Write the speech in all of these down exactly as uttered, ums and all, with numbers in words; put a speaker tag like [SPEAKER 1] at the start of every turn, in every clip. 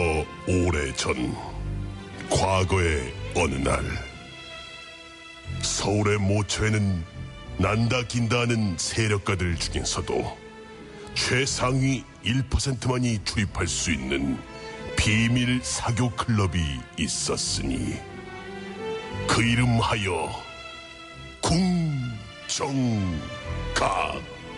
[SPEAKER 1] 오래전 과거의 어느 날 서울의 모처에는 난다 긴다 하는 세력가들 중에서도 최상위 일 퍼센트만이 출입할 수 있는 비밀 사교 클럽이 있었으니 그 이름하여 궁정각.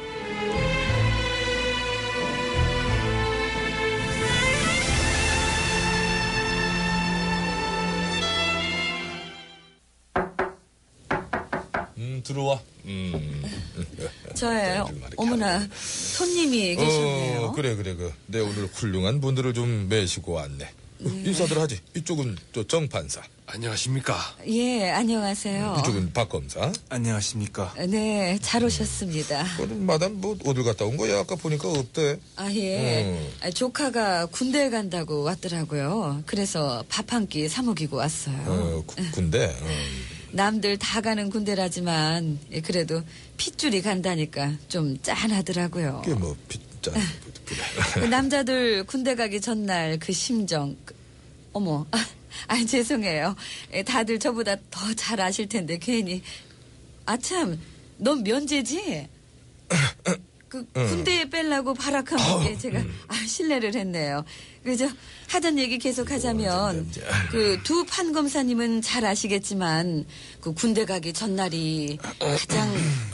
[SPEAKER 2] 음, 들어와. 음.
[SPEAKER 3] 저예요. 어머나, 손님이 계셨네요.
[SPEAKER 2] 어, 그래, 그래, 그. 내 오늘 훌륭한 분들을 좀 매시고 왔네. 네. 인사들 하지. 이쪽은 저 정판사.
[SPEAKER 4] 안녕하십니까?
[SPEAKER 3] 예, 안녕하세요.
[SPEAKER 2] 이쪽은 박검사.
[SPEAKER 4] 안녕하십니까?
[SPEAKER 3] 네, 잘 오셨습니다.
[SPEAKER 2] 그럼 마담 뭐 어딜 갔다 온 거야? 아까 보니까 없대.
[SPEAKER 3] 아, 예.
[SPEAKER 2] 음.
[SPEAKER 3] 아, 조카가 군대에 간다고 왔더라고요. 그래서 밥 한 끼 사먹이고 왔어요.
[SPEAKER 2] 어, 구, 군대. 어.
[SPEAKER 3] 남들 다 가는 군대라지만 예, 그래도 핏줄이 간다니까 좀 짠하더라고요.
[SPEAKER 2] 그게 뭐 핏짠. 그래.
[SPEAKER 3] 그 남자들 군대 가기 전날 그 심정. 그, 어머, 아, 아 죄송해요. 예, 다들 저보다 더 잘 아실 텐데 괜히. 아참, 넌 면제지? 그 군대에 빼려고 발악한 게 제가 아, 실례를 했네요. 그저 하던 얘기 계속 하자면 그 두 판검사님은 잘 아시겠지만 그 군대 가기 전날이 가장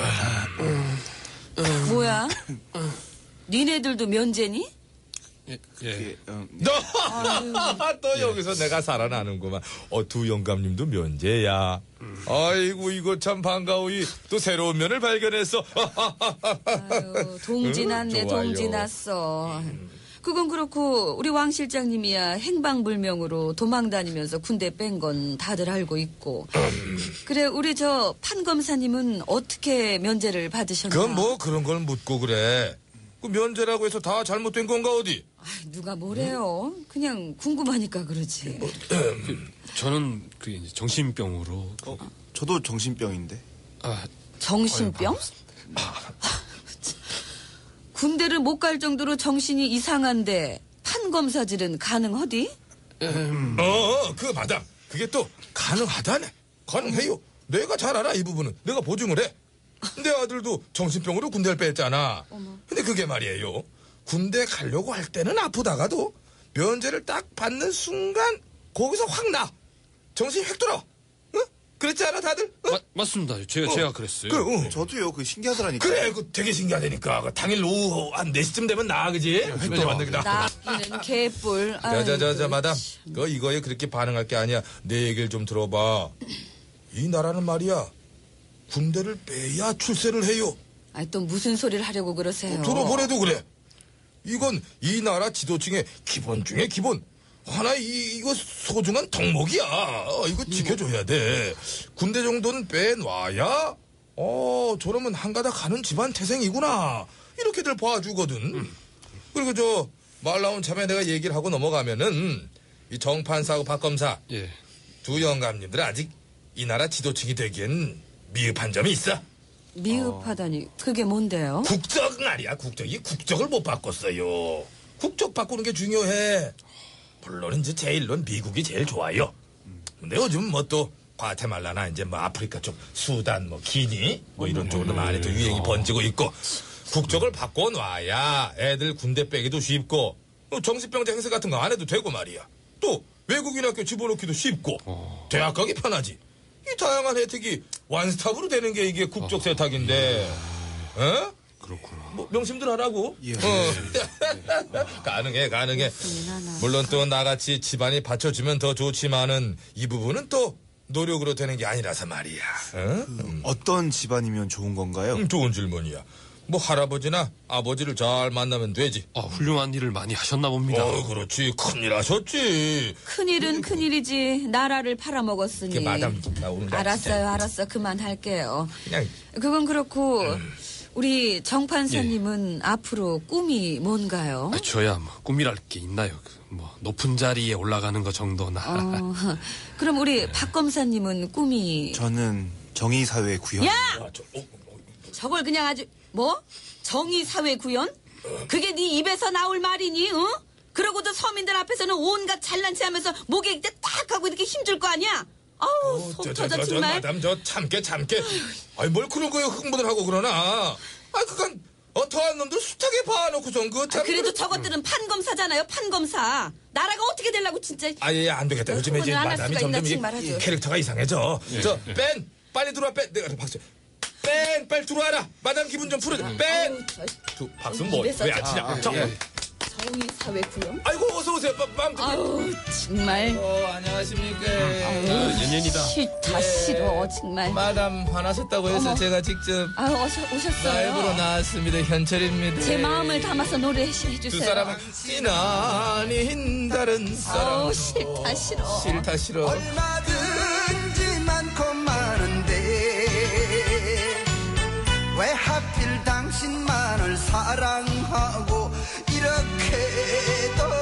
[SPEAKER 3] 뭐야? 니네들도 면제니?
[SPEAKER 4] 예, 예. 어,
[SPEAKER 2] 너, 또 여기서 내가 살아나는구만. 어, 두 영감님도 면제야. 아이고, 이거 참 반가워이. 또 새로운 면을 발견했어.
[SPEAKER 3] 아유, 동지 났네,
[SPEAKER 2] 응,
[SPEAKER 3] 동지 났어. 그건 그렇고 우리 왕 실장님이야 행방불명으로 도망다니면서 군대 뺀 건 다들 알고 있고. 그래, 우리 저 판검사님은 어떻게 면제를 받으셨나?
[SPEAKER 2] 그건 뭐 그런 걸 묻고 그래. 그 면제라고 해서 다 잘못된 건가 어디?
[SPEAKER 3] 아, 누가 뭐래요? 그냥 궁금하니까 그러지.
[SPEAKER 4] 그, 저는 그 이제 정신병으로. 그,
[SPEAKER 5] 어, 저도 정신병인데.
[SPEAKER 4] 아,
[SPEAKER 3] 정신병? 군대를 못 갈 정도로 정신이 이상한데 판검사질은 가능하디?
[SPEAKER 4] 음.
[SPEAKER 2] 어, 그 마담. 그게 또 가능하다네. 가능해요. 내가 잘 알아 이 부분은. 내가 보증을 해. 내 아들도 정신병으로 군대를 뺐잖아.
[SPEAKER 3] 어머.
[SPEAKER 2] 근데 그게 말이에요. 군대 가려고 할 때는 아프다가도 면제를 딱 받는 순간 거기서 확 나. 정신이 획 돌아. 응? 그랬지 않아 다들? 응?
[SPEAKER 4] 마, 맞습니다. 제가,
[SPEAKER 2] 어.
[SPEAKER 4] 제가 그랬어요.
[SPEAKER 2] 그래, 응.
[SPEAKER 5] 저도요. 그 신기하더라니까.
[SPEAKER 2] 그래, 그 되게 신기하다니까. 그 당일 오후 한 네 시쯤 되면 나, 그지? 획 돌아왔는 게 나.
[SPEAKER 3] 나기는 개뿔.
[SPEAKER 2] 자자자자 마담, 그 이거에 그렇게 반응할 게 아니야. 내 얘기를 좀 들어봐. 이 나라는 말이야 군대를 빼야 출세를 해요.
[SPEAKER 3] 아니, 또 무슨 소리를 하려고 그러세요?
[SPEAKER 2] 어, 들어보래도 그래. 이건 이 나라 지도층의 기본 중에 기본. 하나 이 이거 소중한 덕목이야. 어, 이거 지켜줘야 돼. 군대 정도는 빼놔야 어 저러면 한가닥 가는 집안 태생이구나. 이렇게들 봐주거든. 음. 그리고 저 말 나온 참에 내가 얘기를 하고 넘어가면은 이 정판사하고 박검사
[SPEAKER 4] 예.
[SPEAKER 2] 두 영감님들 아직 이 나라 지도층이 되기엔 미흡한 점이 있어.
[SPEAKER 3] 미흡하다니 그게 뭔데요?
[SPEAKER 2] 국적 말이야. 국적이 국적을 못 바꿨어요. 국적 바꾸는 게 중요해. 물론 이제 제일론 미국이 제일 좋아요. 근데 요즘 뭐 또 과테말라나 이제 뭐 아프리카 쪽 수단 뭐 기니 뭐 이런 쪽으로 많이 또 유행이 번지고 있고. 국적을 바꿔놔야 애들 군대 빼기도 쉽고 정신병자 행세 같은 거 안 해도 되고 말이야. 또 외국인 학교 집어넣기도 쉽고
[SPEAKER 4] 어.
[SPEAKER 2] 대학 가기 편하지. 이 다양한 혜택이 완스톱으로 되는 게 이게 국적 세탁인데. 어?
[SPEAKER 4] 그렇구나.
[SPEAKER 2] 뭐 명심들 하라고.
[SPEAKER 5] 예.
[SPEAKER 2] 어. 가능해 가능해. 물론 또 나같이 집안이 받쳐주면 더 좋지만은 이 부분은 또 노력으로 되는 게 아니라서 말이야. 어?
[SPEAKER 5] 음, 어떤 집안이면 좋은 건가요?
[SPEAKER 2] 음, 좋은 질문이야. 뭐 할아버지나 아버지를 잘 만나면 되지.
[SPEAKER 4] 아, 훌륭한 일을 많이 하셨나 봅니다.
[SPEAKER 2] 어, 그렇지. 큰일 하셨지.
[SPEAKER 3] 큰일은 큰일이지. 나라를 팔아먹었으니.
[SPEAKER 2] 그 마담 나오는
[SPEAKER 3] 알았어요, 알았어. 그만할게요.
[SPEAKER 2] 그냥
[SPEAKER 3] 그건 그렇고
[SPEAKER 2] 음.
[SPEAKER 3] 우리 정판사님은 앞으로 꿈이 뭔가요?
[SPEAKER 4] 아, 저야 뭐 꿈이랄 게 있나요? 그, 뭐 높은 자리에 올라가는 것 정도나.
[SPEAKER 3] 어, 그럼 우리 박 검사님은 꿈이
[SPEAKER 5] 저는 정의사회 구현.
[SPEAKER 3] 야!
[SPEAKER 2] 아, 저, 어, 어,
[SPEAKER 3] 저걸 그냥 아주 뭐? 정의사회 구현? 그게 네 입에서 나올 말이니? 어? 그러고도 서민들 앞에서는 온갖 잘난 체 하면서 목에 이때 딱 하고 이렇게 힘줄 거 아니야? 아우, 속
[SPEAKER 2] 저,
[SPEAKER 3] 터져,
[SPEAKER 2] 저, 저, 저,
[SPEAKER 3] 정말.
[SPEAKER 2] 마담, 저, 참게, 참게. 아이, 뭘 그런 거에 흥분을 하고 그러나. 아, 그건, 어, 더한 놈들 숱하게 봐놓고선, 그, 참.
[SPEAKER 3] 아, 그래도 저것들은 판검사잖아요, 판검사. 나라가 어떻게 되려고, 진짜.
[SPEAKER 2] 아예 안 되겠다. 요즘에 이제
[SPEAKER 3] 흥분을 안할
[SPEAKER 2] 마담이
[SPEAKER 3] 수가 있나
[SPEAKER 2] 점점
[SPEAKER 3] 정말
[SPEAKER 2] 이
[SPEAKER 3] 하죠.
[SPEAKER 2] 캐릭터가 이상해져. 저, 뺀! 빨리 들어와, 뺀! 내가 박수. 뺀! 빨리 들어와라! 마담 기분 좀 풀어줘. 뺀!
[SPEAKER 3] 아우, 저
[SPEAKER 2] 두, 박수 뭐,
[SPEAKER 3] 입에서
[SPEAKER 2] 왜 안 치냐? 저,
[SPEAKER 3] 정의 사회 구형.
[SPEAKER 2] 아이고, 어서오세요. 빰, 빰.
[SPEAKER 3] 아우, 정말.
[SPEAKER 2] 어, 안녕하십니까.
[SPEAKER 4] 연연이다.
[SPEAKER 3] 싫다, 싫어, 정말.
[SPEAKER 2] 마담 화나셨다고 해서
[SPEAKER 3] 어머.
[SPEAKER 2] 제가 직접
[SPEAKER 3] 아유, 오셨, 오셨어요.
[SPEAKER 2] 라이브로 나왔습니다. 현철입니다.
[SPEAKER 3] 제 마음을 담아서 노래해주세요.
[SPEAKER 2] 두 사람은 찐아닌 다른 사람.
[SPEAKER 3] 아우, 싫다, 싫어.
[SPEAKER 2] 싫다 싫어.
[SPEAKER 6] 얼마든지 많고 많은데 왜 하필 당신만을 사랑하고 이렇게도